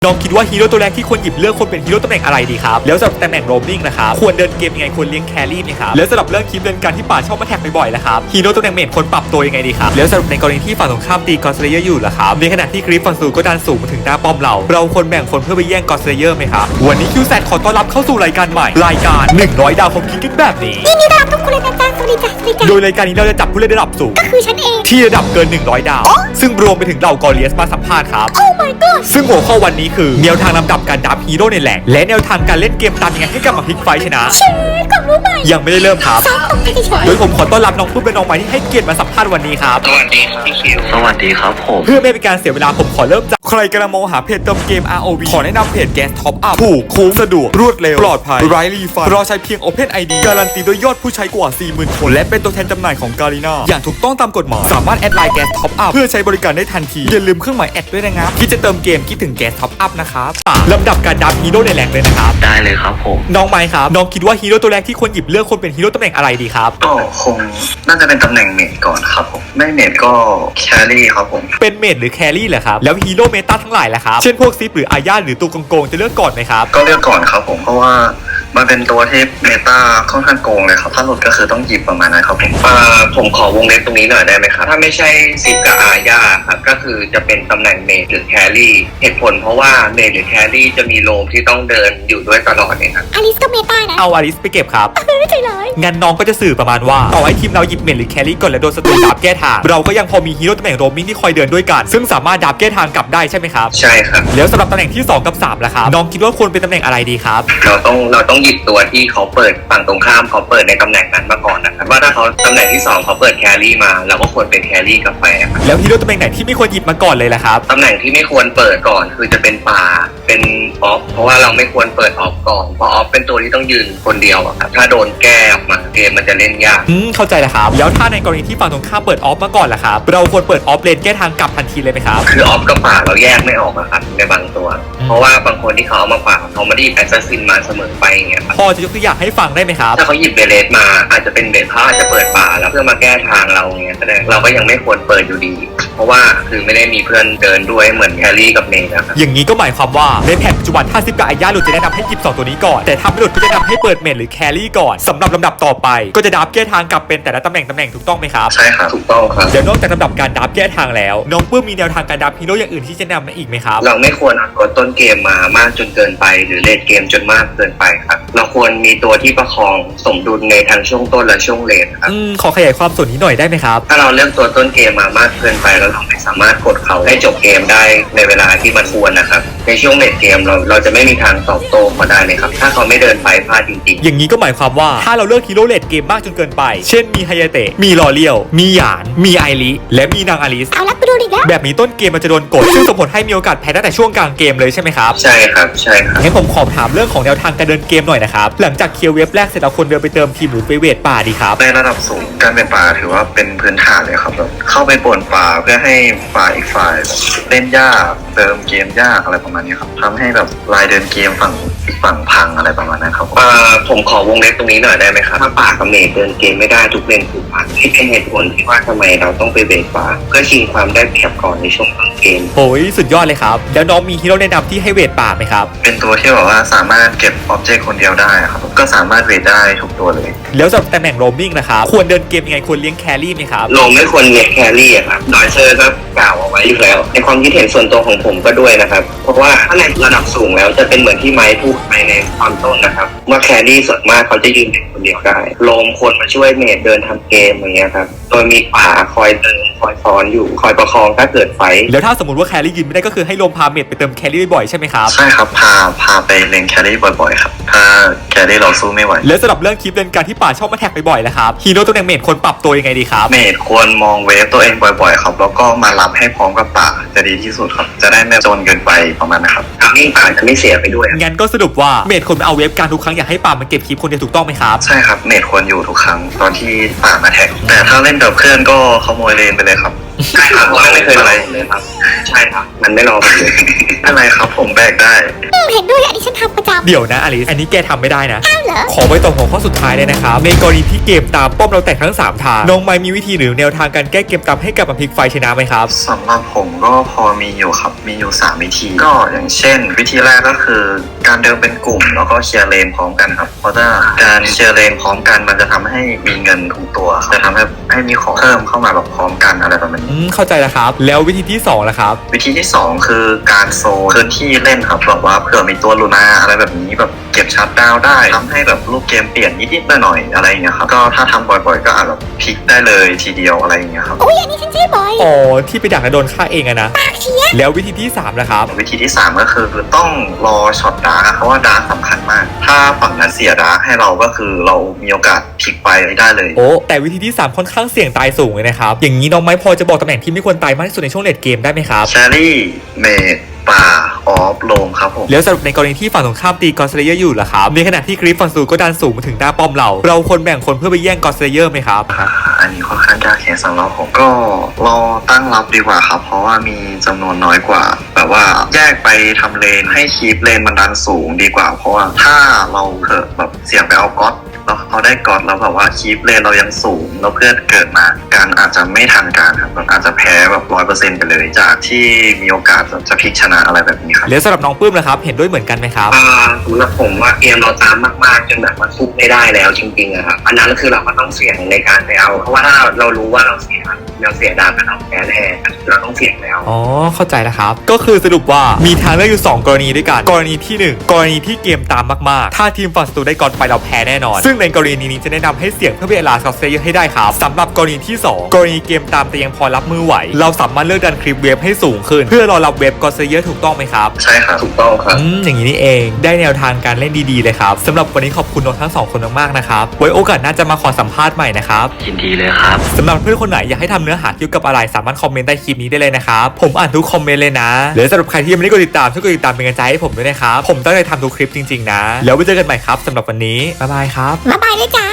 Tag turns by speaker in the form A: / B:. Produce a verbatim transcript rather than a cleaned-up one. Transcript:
A: น้องคิดว่าฮีโร่ตัวแรกที่ควรหยิบเลือกคนเป็นฮีโร่ตำแหน่งอะไรดีครับแล้วสำหรับตำแหน่งโรมมิ่งนะครับควรเดินเกมยังไงควรเลี้ยงแครี่ไหมครับแล้วสำหรับเรื่องคลิปเดินการที่ป่าชอบมาแท็กบ่อยๆนะครับฮีโร่ตำแหน่งเมจควรปรับตัวยังไงดีครับแล้วสำหรับในกรณีที่ฝั่งตรงข้ามตีกอสเลเยอร์อยู่ล่ะครับในขณะที่กริฟฟอนซูก็ดันสูงมาถึงหน้าป้อมเราเราควรแบ่งคนเพื่อไปแย่งกอสเลเยอร์ไหมครับวันนี้คิวแซดขอต้อนรับเข้าสู่รายการใหม่รายการหนึ่งร้อยดาวของคิงกันแบบนี้
B: ยินดีต้อนรับทุกคนเลยนะจ๊ะสวัสดีจ้ะสวัสดีจ้ะ
A: โดยรายการนี้เราจะจับผู้เล่นระดับสูง
B: ก็คือฉันเอง
A: ที่ระดับเกินหนึ่งร้อยดาวซึ่งรวมไปถึงเหล่ากอริเอสมาสัมภาษณ์ครับ
B: โอ้ my god
A: ซึ่งหัวข้อวันนี้คือแนวทางลำดับการดับฮีโร่ในแหล่งและแนวทางการเล่นเกมตามยังไงให้กลับมาพลิกไฟชนะ
B: ชื่อความรู้ใหม่
A: ยังไม่ได้เริ่มครับ
B: ซ้อมตรงไปเฉย
A: โดยผมขอต้อนรับน้องปุ้มเป็นน้องใหม่ที่ให้เกียรติมาสัมภาษณ์วันนี้ครับ
C: สวัสดีครับพี่คิวสวัสดีครับผม
A: เพื่อไม่เป็นการเสียเวลาผมขอเริ่มจากใครกำลังมองหาเพจเติมเกม อาร์ โอ วี ขอแนะนำเพจแก๊สท็อปอัพถูกคุ้มสะดวกรวดเร็วปลอดภัยไร้รีฟันรอใช้เพียง Open ไอ ดี การันตีด้วยยอดผู้ใช้กว่า สี่หมื่น คนและเป็นตัวแทนจำหน่ายของการีนาอย่างถูกต้องตามกฎหมายสามารถแอดไลน์แก๊สท็อปอัพเพื่อใช้บริการได้ทันทีอย่าลืมเครื่องหมายแอดด้วยนะครับคิดจะเติมเกมคิดถึงแก๊สท็อปอัพนะครับลำดับการดับฮีโร่ในแหล่งเลยนะครับ
C: ได้เลยครับผม
A: น้องไมค์ครับน้องคิดว่าฮีโร่ตัวแรกที่ควรหยิบเลือกคนเป็นฮีโร่ตำแหน่งอะไรดีครับ
C: ก็คงน่าจะเป็นตำแหน่งเมจก่อนครับผมไม่เมจก็แครี่ครับผม
A: เป็นเมจหรือแครี่เหรอครับแล้วฮีโร่เมตาทั้งหลายล่ะครับเช่นพวกซิปหรืออาญาหรือตัวโกงๆจะเลือกก่อนไหมครับ
C: ก็เลือกก่อนครับผมเพราะว่ามันเป็นตัวที่เมตาค่อนข้างโกงเลยครับถ้าหลุดก็คือต้องหยิบประมาณนั้นครับผมอ่าผมขอวงเล็บตรงนี้หน่อยได้ไหมครับถ้าไม่ใช่ซิปกับอาญาครับก็คือจะเป็นตำแหน่งเมจหรือแครี่เหตุผลเพราะว่าเมจหรือแครี่จะมีโลมที่ต้องเดินอยู่ด้วยตลอดเนี่ยครับ
B: อลิสก็เมตานะ
A: เอาอลิสไปเก็บครับ
B: ไม่ใช่เลย
A: งั้นน้องก็จะสื่อประมาณว่าต่อให้ทีมเราหยิบเมจหรือแครี่ก่อนและโดนศัตรูดับแก้ทางเราก็ยังพอมีฮีโร่ตำแหน่งโรมมิ่งที่คอยเดินด้วยกันซึ่งสามารถดับแก้ทางกลับได้ใช่ไหมครับ
C: ใช่ครับ
A: แล้วสำหรับตำแหน่งที่สองกับสามล่ะครับน้องคิดว่าควรเป็นตำแหน่งอะไรดีครับ
C: เราต้องเราต้องหยิบตัวที่เขาเปิดฝั่งตรงข้ามเขาเปิดในตำแหน่งนั้นมาก่อนนะครับว่าถ้าเขาตำแหน่งที่สองเขาเปิดแครี่มาเราก็ควรเป็นแครี่กาแฟครับ
A: แล้วฮีโร่ตำแหน่งไหนที่ไม่ควรหยิบมาก่อนเลยล่ะครับ
C: ตำแหน่งที่ไม่ควรเปิดก่อนคือจะเป็นป่าเป็นออฟเพราะว่าเราไม่ควรเปิดออฟก่อนเพราะออฟเป็นตัวที่ต้องยืนคนเดียวอะครับถ้าโดนแก้ออกมาเกมมันจะเล่นยาก
A: อืมเข้าใจแล้วครับแล้วถ้าในกรณีที่ฝั่งตรงข้ามเปิดออฟมาก่อนล่ะครับเราควรเปิดออฟเลนแก้ทางกลับทันทีเลยไหมครับ
C: คือออฟกับป่าเราแยกไม่ออกอะครับในบางตัวเพราะว่าบางคนที่เขาเอามาป่าเขาไม่ได้แอสซัสซินมาเสมอไปอย่างเงี้ย
A: พอจะยกตัวอย่างให้ฟังได้ไหมครับ
C: ถ้าเขาหยิบเบเลสมาอาจจะเป็นเบลเขาอาจจะเปิดป่าแล้วเพื่อมาแก้ทางเราเงี้ยแสดงเราก็ยังไม่ควรเปิดอยู่ดีเพราะว่าคือไม่ได้มีเพื่อนเดินด้วยเหมือนแครี่กับเมย์นะครับ
A: อย่างนี้ก็หมายความว่าในแผนปัจจุบันถ้าซิปกับอาญาหลุดจะแนะนำให้หยิบสองตัวนี้ก่อนแต่ถ้าไม่หลุดก็จะแนะนำให้เปิดเมจหรือแครี่ก่อนสำหรับลำดับต่อไปก็จะดับแก้ทางกลับเป็นแต่ละตำแหน่งตำแหน่งถูกต้องไหมครับ
C: ใช่ครับถูกต้องครับ
A: เดี๋ยวนอกจากลำดับการดับแก้ทางแล้วน้องปื้มมีแนวทางการดับฮีโร่อย่างอื่นที่จะแนะนำอีกไหมครับ
C: เราไม่ควรเอาตัวต้นเกมมามากจนเกินไปหรือเลดเกมจนมากเกินไปครับเราควรมีตัวที่ประคองสมดุลในทั้งช่วงต้นและช่วงเลดครับ
A: อืมขอขยายความส่วนนี้หน่อยได้ไหมครับ
C: ถ้าเราเลือกตัวต้นเกมมามากเกินไปแล้วเราไม่สามารถกดเขาให้จบเกมได้ในเวลาที่มันควรนะครับในช่วงเลดเกมเราเราจะไม่มีทางตอบโต้เขาได้เลยครับถ้าเขาไม่เดินไปพลาดจริงๆ
A: อย่างนี้ก็หมายความว่าถ้าเราเลือกฮีโร่เลดเกมมากจนเกินไปเช่นมีไฮยาเตะมีลอเลียวมีหยานมีไอริและมีนางอลิส
B: เอาละไปดูดิครับ
A: แบบนี้ต้นเกมมันจะโดนกดซึ่งส่งผลให้มีโอกาสแพ้ตั้งแต่ช่วงกลางเกมเลยใช่ไหมครับ
C: ใช่ครับใช่ครับ
A: งั้นผมขอถามเรื่องของแนวทางการเดินเกมหน่อยนะครับหลังจากเคลียร์เว็บแรกเสร็จเราควรเดินไปเติมทีมหรือไปเวทป่าดีครับ
C: ในระดับสูงการเป็นป่าถือว่าเป็นพื้นฐานเลยครับเข้าไปป่วนป่าเพื่อให้ฝ่ายอีกฝ่ายเล่นยากเติมเกมยากอะไรประมาณนี้ครับทำให้แบบลายเดินเกมฝั่งอีกฝั่งพังอะไรประมาณนั้นครับอ่าผมขอวงเล็บตรงนี้หน่อยได้ไหมครับถ้าป่ากับเมจเดินเกมไม่ได้ทุกเลนถูกพังที่เป็นเหตุผลที่ว่าทำไมเราต้องไปเวทป่าเพื่อชิงความได้เปรียบก่อนในช่วงต้นเกม
A: โอ้ยสุดยอดเลยครับแล้วน้องมีฮีโร่แนะนำที่ให้เวทป่าไหมครับ
C: เป็นตัวที่แบบว่าสามารถเก็บอ็อบเจกต์คนเดียวได้ครับก็สามารถเวทได้ทุกตัวเลย
A: แล้วสำหรับตำแหน่งโรมมิ่งนะครับควรเดินเกมยังไงควรเลี้ยงแครี่ไหมครับ
C: โรมไม่ควรเลี้ยงแครี่ครับดอยเซอร์ก็กล่าวเอาไว้อยู่แล้วในความคิดเห็นส่วนตัวของผมก็ด้วยนะครับเพราะว่าถ้าในระดับสูงแล้วจะเป็นเหมือนที่ไม้พูดไปในตอนต้นนะครับว่าแครี่ส่วนมากเขาจะยืนเด็กคนเดียวได้โรมควรมาช่วยเมจเดินทำเกมอย่างเงี้ยครับโดยมีป่าคอยเดินคอยซ้อนอยู่คอยประคองถ้าเกิดไฟ
A: แล้วถ้าสมมติว่าแครี่ยืนไม่ได้ก็คือให้โรมพาเมจไปเติมแครี่บ่อยๆใช่ไหมครับ
C: ใช่ครับพาพาไปเล่นแครี่บ่อยๆครับถ้าแครี่เราสู้ไม่ไหว
A: แล้วสำหรับเรื่องคลิปเล่นการที่ป่าชอบมาแท็กบ่อยๆนะครับฮีโร่ตัวแหน่งเมจควรปรับตัวยังไงดีครับ
C: เมจควรมองเวฟตัวเองบ่อยๆครับแล้วก็มารับให้พร้อมกับป่าจะดีที่สุดครับจะได้ไม่จนเกินไปประมาณนะครับทำให้ป่าจะไม่เสียไปด้วย
A: งั้นก็สรุปว่าเมจควรมาเอาเวฟการทุกครั้งอยากให้ป่ามันเก็บคลิปคนเดียวถูกต้องไหมครับ
C: ใช่ครับเมจควรอยู่ทุกครั้งตอนที่ป่ามาแท็กแต่ถ้าเล่นกับเพื่อนก็ขโมยเลนไปเลยครับ
D: ใช่ครับมันไม่เคยรอเลยครับใช่ครับมันไม่รอผมเลย
C: อะไรครับผมแบกได้
B: อืมเห็นด้วยอันนี้ฉันทำประจำ
A: เดี๋ยวนะอลิสอันนี้แกทำไม่ได้นะ
B: อ้าวเหรอ
A: ขอไว้ตรงหัวข้อสุดท้ายเลยนะครับในกรณีที่เกมตามป้อมเราแตกทั้งสามทางน้องไม้มีวิธีหรือแนวทางการแก้เกมตามให้กลับมาพลิกไฟชนะไหมครับ
C: สำหรับผมก็พอมีอยู่ครับมีอยู่สามวิธีก็อย่างเช่น วิธีแรกก็คือการเดินเป็นกลุ่มแล้วก็เคลียร์เลนพร้อมกันครับเพราะถ้าการเคลียร์เลนพร้อมกันมันจะทำให้มีเงินทุกตัวครับจะทำให้ให้มีของเพิ่มเข้ามาแบบพร้อมกันอะไรประมาณนี้
A: อืมเข้าใจแล้วครับแล้ววิธีที่สองล่ะครับ
C: วิธีที่สองคือการโซนพื้นที่เล่นครับแบบว่าเผื่อมีตัวลูนาอะไรแบบนี้แบบเก็บชัดดาวน์ได้ทำให้แบบรูปเกมเปลี่ยนนิดๆหน่อยๆอะไรอย่างเงี้ยครับก็ถ้าทำบ่อยๆก็อาจแบบพลิกได้เลยทีเดียวอะไรอย่างเงี้ยครับ
B: โอ้ยอันนี้ฉันใช้บ่อย
A: อ๋อที่ไปดักและโดนฆ่าเองอะนะแล้ววิธีที่สามล่ะครับ
C: วิธีที่สามก็คือต้องรอช็อตดาร์กอะเพราะว่าดาร์กสำคัญมาก ถ้าฝั่งนั้นเสียดาร์กให้เราก็คือเรามีโอกาสพลิกไปได้เลย
A: โอ้แต่วิธีที่สามค่อนข้างเสี่ยงตายสูงเลยนะครับอย่างนี้น้องไม้พอจะบอกตำแหน่งที่ไม่ควรตายมากที่สุดในช่วงเลดเกมได้ไหมครับ
C: แชรี่เมดป่าออฟโลมครับผม
A: แล้วสรุปในกรณีที่ฝั่งตรงข้ามตีกอสเลเยอร์อยู่ล่ะครับในขณะที่คลิปฝั่งสูก็ดันสูงมาถึงหน้าป้อมเราเราควรแบ่งคนเพื่อไปแย่งกอสเลเยอร์ไหมครับ
C: อ่าอันนี้ค่อนข้างยากแค่สำหรับผมก็รอตั้งรับดีกว่าครับ เพราะว่ามีจำนวนน้อยกว่าแบบว่าแยกไปทำเลนให้คีปเลนมันดันสูงดีกว่า เพราะว่าถ้าเราเกิดแบบเสี่ยงไปเอาก๊อตแล้วเขาได้ก๊อตแล้วแบบว่าคีปเลนเรายังสูงแล้วเพื่อนเกิดมาการอาจจะไม่ทันการครับแบบอาจจะแพ้แบบร้อยเปอร์เซ็นต์ไปเลยจากที่มีโอกาสจะพลิกชนะอะไรแบบนี้ครับ
A: แล้วสำหรับน้องปื้มล่ะครับเห็นด้วยเหมือนกันไหมครับ
D: อ่าสำหรับผมว่าเกมเราตามมากๆจนแบบว่าซุกไม่ได้แล้วจริงๆอะครับอันนั้นก็คือเราก็ต้องเสี่ยงในการไปเอาเพราะว่าถ้าเรารู้ว่าเราเสียเราเสียดาวกับเราแพ้แน่เราต้องเสี่ยงแล้ว
A: อ๋อเข้าใจแล้วครับก็คือสรุปว่ามีทางเลือกอยู่สองกรณีด้วยกันกรณีที่หนึ่งกรณีที่เกมตามมากๆถ้าทีมฝั่งศัตรูได้ก่อนไปเราแพ้แน่นอนซึ่งในกรณีนี้จะแนะนำให้เสี่ยงเพื่อเวลาสกอตเซเยอร์ให้ได้ครับสำหรับกรณีที่สองกรณีเกมตามแต่ยังพอรับมือไหวเราสามารถเลือกดันคลิปเวฟให้สูงขึ้นเพื่อรอรับเวฟกอตเซเยอร์ถูกต้องไหมครับ
C: ใช่ครับ
D: ถูกต้องครับ
A: อืมอย่างนี้นี่เองได้แนวทางการเล่นดีๆเลยครับสำหรับวันนี้ขอบคุณน้องทั้งสองคนมากๆนะครับไว้โอกาสหน้าจะมาขอสัมภาษณ์ใหม่นะครับ
C: ยินดีเลยครับ
A: สำหรับเพื่อนคนไหนอยากให้ทำเนื้อหาเกี่ยวกับอะไรสามารถคอมเมนต์ใต้คลิปนี้ได้เลยนะครับผมอ่านทุกคอมเมนต์เลยนะหรือสำหรับใครที่ยังไม่ได้กดติดตามช่วยกดติดตามเป็นกำลังใจให้ผมด้วยนะครับผมตั้งใจทำทุกคลิปจริงๆนะแล้วไว้เจอกันใหม่ครับสำหรับวันนี้บ๊ายบายครับ
B: มาบายเลยจ้า